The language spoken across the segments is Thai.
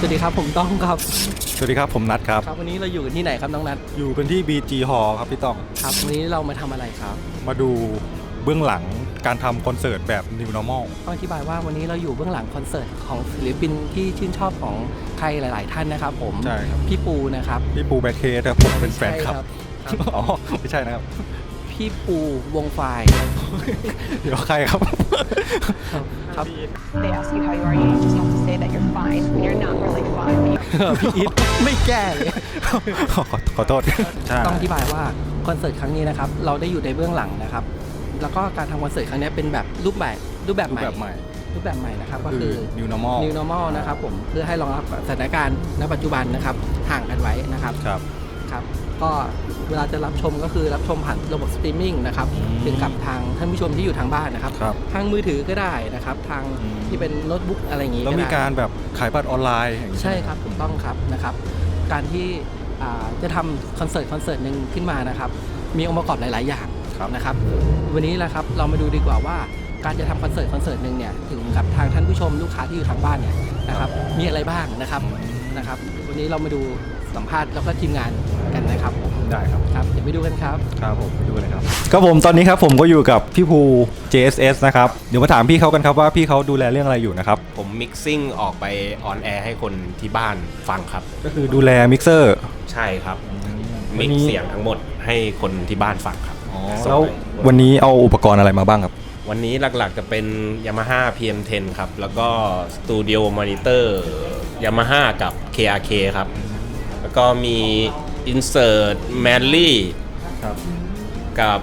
วัสดีครับผมต้องครับสวัสดีครับผมนัทครับครับวันนี้เราอยู่กันที่ไหนครับน้องนัทอยู่กันที่ BG Hall ครับพี่ต้องครับวันนี้เรามาทำอะไรครับมาดูเบื้องหลังการทำคอนเสิร์ตแบบ New Normal ต้องอธิบายว่าวันนี้เราอยู่เบื้องหลังคอนเสิร์ตของศิลปินที่ชื่นชอบของใครหลายๆท่านนะครับผมใช่ครับพี่ปูนะครับพี่ปูแบ็คเคสครับผมเป็นแฟนคลับอ๋อไม่ใช่นะครับพี่ปูวงไฟเดี๋ยวใครครับครับ They ask you how you are, you just have to say that you're fine when you're not really fine. พี่อีทไม่แก้เลยขอโทษต้องอธิบายว่าคอนเสิร์ตครั้งนี้นะครับเราได้อยู่ในเบื้องหลังนะครับแล้วก็การทำคอนเสิร์ตครั้งนี้เป็นแบบรูปแบบใหม่นะครับก็คือ New Normal นะครับผมเพื่อให้รองรับสถานการณ์ณปัจจุบันนะครับห่างกันไว้นะครับครับก็เวลาจะรับชมก็คือรับชมผ่านระบบสตรีมมิ่งนะครับถึงกับทางท่านผู้ชมที่อยู่ทางบ้านนะครับทางมือถือก็ได้นะครับทางที่เป็นโน้ตบุ๊กอะไรอย่างนี้แล้วมีการแบบขายบัตรออนไลน์ใช่ครับถูกต้องครับนะครับการที่จะทำคอนเสิร์ตหนึ่งขึ้นมานะครับมีองค์ประกอบหลายๆอย่างนะครับวันนี้แหละครับเรามาดูดีกว่าว่าการจะทำคอนเสิร์ตหนึ่งเนี่ยถึงกับทางท่านผู้ชมลูกค้าที่อยู่ทางบ้านเนี่ยนะครับมีอะไรบ้างนะครับวันนี้เรามาดูสัมภาษณ์แล้วก็ทีมงานกันนะครับได้ครับเดี๋ยวไปดูกันครับผมไปดูเลยครับผมตอนนี้ครับผมก็อยู่กับพี่ภู JSS นะครับเดี๋ยวมาถามพี่เขากันครับว่าพี่เขาดูแลเรื่องอะไรอยู่นะครับผมมิกซิ่งออกไปออนแอร์ให้คนที่บ้านฟังครับก็คือดูแลมิกเซอร์ใช่ครับมิกเสียงทั้งหมดให้คนที่บ้านฟังครับแล้ววันนี้เอาอุปกรณ์อะไรมาบ้างครับวันนี้หลักๆจะเป็น Yamaha PM10 ครับแล้วก็ Studio Monitor Yamaha กับ KRK ครับแล้วก็มี Insert Manly กับ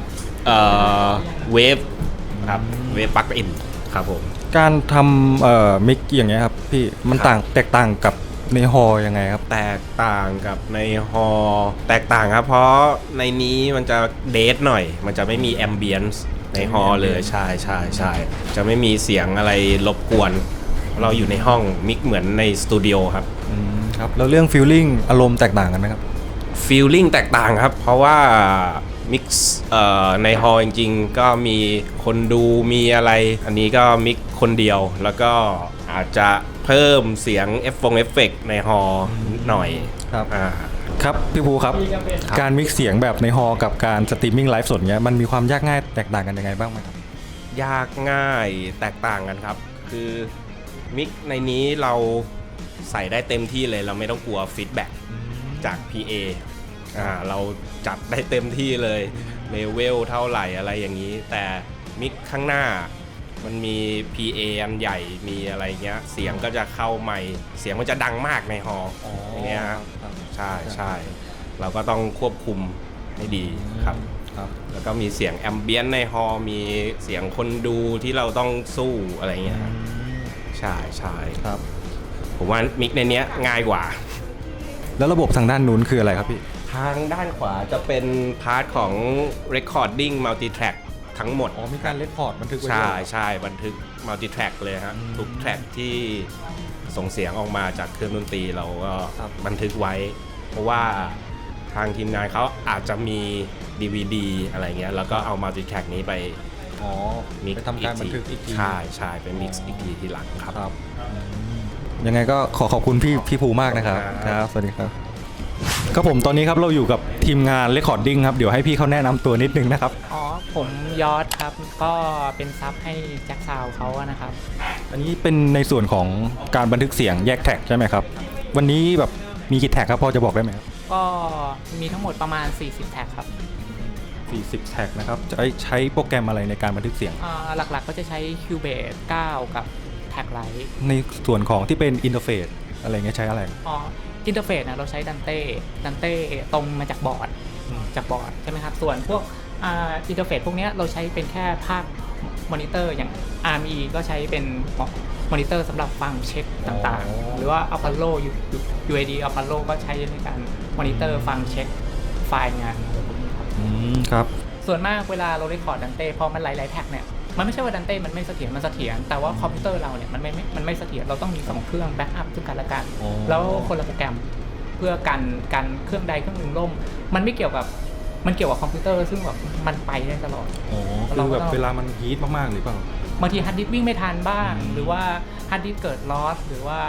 Wave ครับ Wave Plug in ครับผมการทำมิกอย่างเงี้ยครับพี่มันแตกต่างกับในฮอลยังไงครับแตกต่างกับในฮอลแตกต่างครับเพราะในนี้มันจะเดทหน่อยมันจะไม่มีแอมเบียนซ์ในฮอลเลยใช่จะไม่มีเสียงอะไรรบกวนเราอยู่ในห้องมิกเหมือนในสตูดิโอครับครับแล้วเรื่องฟีลลิ่งอารมณ์แตกต่างกันไหมครับฟีลลิ่งแตกต่างครับเพราะว่ามิกซ์ในฮอลจริงๆก็มีคนดูมีอะไรอันนี้ก็มิกคนเดียวแล้วก็อาจจะเพิ่มเสียงเอฟเฟกต์ในฮอลหน่อยครับพี่ภูครับการมิกซ์เสียงแบบในฮอลกับการสตรีมมิ่งไลฟ์สดเนี้ยมันมีความยากง่ายแตกต่างกันยังไงบ้างไหมครับยากง่ายแตกต่างกันครับคือมิกในนี้เราใส่ได้เต็มที่เลยเราไม่ต้องกลัวฟีดแบ็กจาก PA เราจัดได้เต็มที่เลยเลเวลเท่าไหร่อะไรอย่างนี้แต่มิกข้างหน้ามันมี PA อันใหญ่มีอะไรเงี้ยเสียงก็จะเข้าใหม่เสียงมันจะดังมากในฮอลอย่างเงี้ยใช่เราก็ต้องควบคุมให้ดีครับแล้วก็มีเสียงแอมเบียนในฮอลมีเสียงคนดูที่เราต้องสู้อะไรเงี้ยใช่ครับผมว่ามิกในเนี้ยง่ายกว่าแล้วระบบทางด้านนู้นคืออะไรครับพี่ทางด้านขวาจะเป็นพาร์ทของ Recording Multi-Track ทั้งหมดมีการเรคคอร์ดบันทึกไว้ใช่บันทึก Multi-Track เลยฮะทุกแทร็กที่ส่งเสียงออกมาจากเครื่องดนตรีเราก็บันทึกไว้เพราะว่าทางทีมงานเขาอาจจะมี DVD อะไรเงี้ยแล้วก็เอา Multi-Track นี้ไปมิกซ์ทำการบันทึกอีกทีใช่ไปมิกซ์อีกทีทีหลังครับยังไงก็ขอบคุณพี่ภูมากนะครับสวัสดีครับก็ผมตอนนี้ครับเราอยู่กับทีมงานเรคคอร์ดดิ้งครับเดี๋ยวให้พี่เขาแนะนำตัวนิดนึงนะครับผมยอดครับก็เป็นซับให้แจ็คซาวเขานะครับอันนี้เป็นในส่วนของการบันทึกเสียงแยกแท็กใช่ไหมครับวันนี้แบบมีกี่แท็กครับพอจะบอกได้ไหมครับก็มีทั้งหมดประมาณ40แท็กครับ 40แท็กนะครับจะใช้โปรแกรมอะไรในการบันทึกเสียงหลักๆก็จะใช้ Cubase 9 กับแท็กไลท์ในส่วนของที่เป็นอินเทอร์เฟซอะไรเงี้ยใช้อะไรอินเทอร์เฟซนะเราใช้ดันเต้ตรงมาจากบอร์ดใช่ไหมครับส่วนพวกอินเทอร์เฟซพวกนี้เราใช้เป็นแค่ภาคมอนิเตอร์อย่าง RME ก็ใช้เป็นมอนิเตอร์สำหรับฟังเช็คต่างๆหรือว่า Apollo UAD Apollo ก็ใช้ในการมอนิเตอร์ฟังเช็คไฟล์งานครับส่วนมากเวลาเราเรคคอร์ดดันเต้พอมันหลายๆแท็กเนี่ยมันไม่ใช่ว่าดันเต้มันไม่เสถียรมันเสถียรแต่ว่าคอมพิวเตอร์เราเนี่ยมันไม่เสถียรเราต้องมี2เครื่องแบ็กอัพซึ่งกันและกันแล้วคนละโปรแกรมเพื่อกันเครื่องใดเครื่องหนึ่งล่มมันไม่เกี่ยวกับมันเกี่ยวกับคอมพิวเตอร์ซึ่งแบบมันไปได้ตลอดคือแบบเวลามันฮีทมากๆหรือเปล่าบางทีฮาร์ดดิสก์วิ่งไม่ทันบ้างหรือว่าฮาร์ดดิสก์เกิดลอสหรือว่า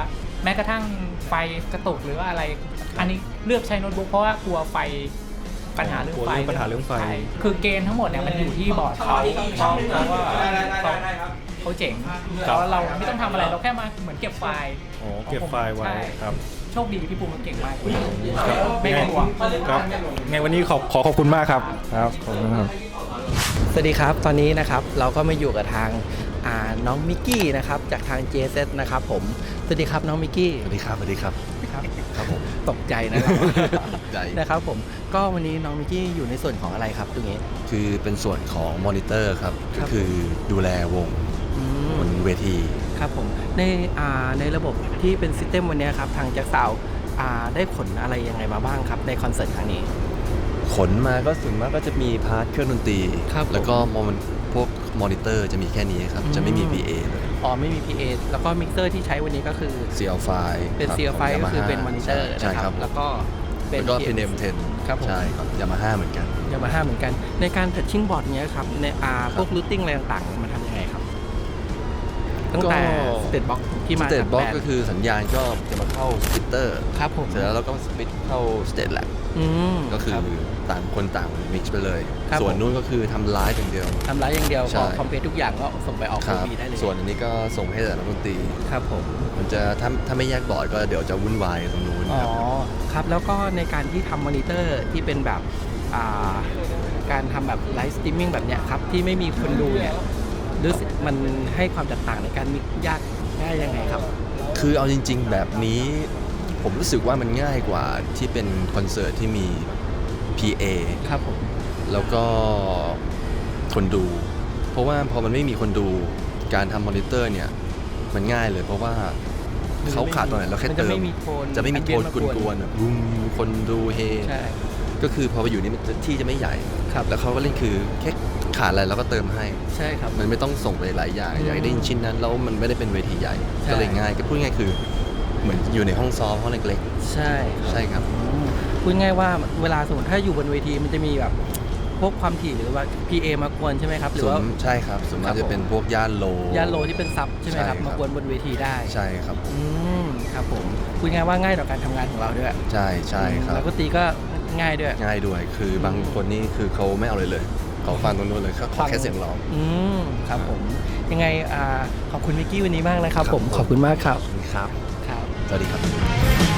แม้กระทั่งไฟกระตุกหรือว่าอะไร อันนี้เลือกใช้โน้ตบุ๊กเพราะว่ากลัวไฟปัญหาเรื่องไฟกลัวปัญหาเรื่องไฟใช่คือเกณฑ์ทั้งหมดเนี่ยมันอยู่ที่บอร์ดเขาเพราะว่าเขาเจ๋งแล้วเราไม่ต้องทำอะไรเราแค่มาเหมือนเก็บไฟล์อ๋อเก็บไฟล์ไว้ใช่ครับโชคดีพี่ภูมิเขาเก่งมากไม่เป็นห่วงครับไงวันนี้ขอบคุณมากครับครับขอบคุณครับสวัสดีครับตอนนี้นะครับเราก็มาอยู่กับทางน้องมิกกี้นะครับจากทาง JZ นะครับผมสวัสดีครับน้องมิกกี้สวัสดีครับ สวัสดีครับครับครับผมตกใจนะครับใจนะครับผมก็วันนี้น้องมิกกี้อยู่ในส่วนของอะไรครับตรงนี้คือเป็นส่วนของมอนิเตอร์ครับครัก็บคือดูแลวงอืมบนเวทีครับผมในระบบที่เป็นซิสเต็มวันนี้ครับทางแจ็คซาวได้ผลอะไรยังไงมาบ้างครับในคอนเสิร์ตครั้งนี้ขนมาก็ส่วนมากก็จะมีพาร์ทเครื่องดนตรีครับผมแล้วก็พวกมอนิเตอร์จะมีแค่นี้ครับ จะไม่มี PA เลยอ๋อไม่มี PA แล้วก็มิกเซอร์ที่ใช้วันนี้ก็คือ CL5 เป็นครับ CL5 ขงก็คือ Yamaha เป็นมอนิเตอร์ใช่นะคครัรับบ แล้วก็เป็นแล้วก็เป็น M10 ครับผมใช่ครับ Yamaha เหมือนกันยามาฮ่าเหมือนกัน ในการทัชชิ่งบอร์ดเนี้ยครับในพวกรูทติ้งอะไรต่างๆมันทำยังไงครับ ตั้งแต่สเตตบ็อกที่สมาเตจาตกบ็อกแบรนก็ด์คือสัญญาณก็จะมาเข้าสปิตเตอร์ครับผมเสร็จแล้วเราก็สปิตเข้าสเตตแลบมก็คือรับต่างคนต่างมิกซ์ไปเลยครับส่วนผมนู้นก็คือทำไลฟ์อย่างเดียวทำร้ายอย่างเดียวใช่พอคอมเพลตทุกอย่างก็ส่งไปออกครับบีได้เลยส่วนอันนี้ก็ส่งให้แต่นักดนตรีครับผมมันจะถ้าไม่แยกบอร์ดก็เดี๋ยวจะวุ่นวายตรงนู้นอ๋อครับครับแล้วก็ในการที่ทำมอนิเตอร์ที่เป็นแบบการทำแบบไลฟ์สตรีมมิ่งแบบเนี้ยครับที่ไม่มีคนดูเนี่ยรู้สึกมันให้ความแตกต่างในการมิกยากง่ายยังไงครับคือเอาจริง ๆ แบบนี้ผมรู้สึกว่ามันง่ายกว่าที่เป็นคอนเสิร์ตที่มี PA ครับผมแล้วก็คนดู เพราะว่าพอมันไม่มีคนดูการทำมอนิเตอร์เนี่ยมันง่ายเลย เพราะว่าเขาขาดตรงไหนเราแค่มันเติจะมไม่มีโทนจะไม่มีโทน ambient มากวนๆแบบบูมคนดูเฮใช่ก็คือพอไปอยู่นี่มันที่จะไม่ใหญ่ครับแล้วเขาก็เล่นคือแค่ขาดอะไรเราก็เติมให้ใช่ครับมันไม่ต้องส่งไปหลายอย่างอืมอยากได้ยินชิ้นนั้นแล้วมันไม่ได้เป็นเวทีใหญ่ใช่ก็เลยง่ายก็พูดง่ายคือเหมือนอยู่ในห้องซ้อมห้องเล็กใช่ๆ ใช่ครับพูดง่ายว่าเวลาสมมติถ้าอยู่บนเวทีมันจะมีแบบพวกความถี่หรือว่า PA มากวนใช่ไหมครับ หรือว่าใช่ครับส่วนครัมากบจะเป็นพวกย่านโลย่านโลที่เป็นซับใช่ไหมครับใช่ครับมากวนบนเวทีได้ใช่ครับอืมครับผมพูดง่ายว่าง่ายต่อการทำงานของเราด้วยใช่ใช่ครับแล้วก็ตีก็ง่ายด้วยง่ายด้วยคือบางคนนี่คือเขาไม่เอาเลยเขาฟังตรงนู้นเลยเขาขอแค่เสียงร้องอืมครับผมยังไงขอบคุณมิกกี้วันนี้มากนะครับผมขอบคุณมากครับครับครับสวัสดีครับ